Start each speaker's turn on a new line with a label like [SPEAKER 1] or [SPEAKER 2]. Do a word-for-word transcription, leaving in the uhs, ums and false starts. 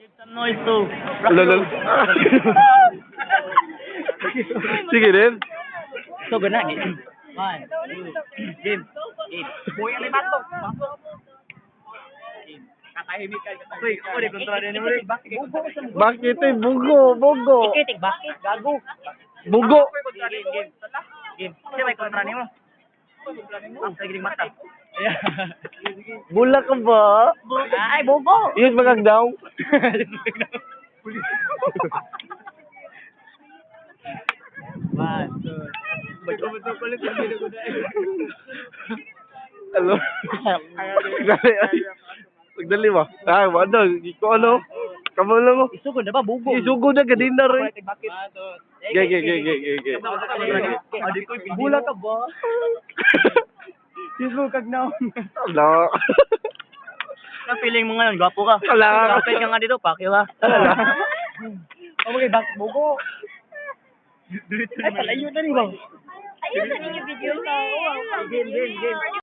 [SPEAKER 1] Some noise too.
[SPEAKER 2] Lol. Sige din.
[SPEAKER 1] So, gana, game. One, two, game. Game. Boy, ano yung batok? Batok. Game. Katahimik ka. Uy, ako rin, kontra rin mo rin.
[SPEAKER 2] Bakit eh? Bugo, bugo.
[SPEAKER 1] Ikitik, bakit? Gago.
[SPEAKER 2] Bugo.
[SPEAKER 1] Game, game. Game. Kasi may kontra ni mo. Ang sagiling mata.
[SPEAKER 2] Bula ka ba?
[SPEAKER 1] Ay, bobo.
[SPEAKER 2] Yes, magag daw.
[SPEAKER 1] One, two. Betul-betul kulit berbeda kuda.
[SPEAKER 2] Ano? Pagdali, ay. Pagdali ba? Ah, ano? Iko ano? Kamu lang mo.
[SPEAKER 1] Isugod na ba, bubo?
[SPEAKER 2] Isugo na ganina rin.
[SPEAKER 1] Bakit?
[SPEAKER 2] Ge, ge, ge, ge, ge, ge.
[SPEAKER 1] Bula ka ba? Sismo kag na.
[SPEAKER 2] Ala.
[SPEAKER 1] Ang feeling mo ngayon, gwapo ka.
[SPEAKER 2] Ala.
[SPEAKER 1] Kapit ka nga dito, pakyo ka.
[SPEAKER 2] Ala.
[SPEAKER 1] Oh, okay, bakit bugo? Ay, palayo na rin ba?
[SPEAKER 3] Ayun sa ninyo video.
[SPEAKER 1] Game, game, game.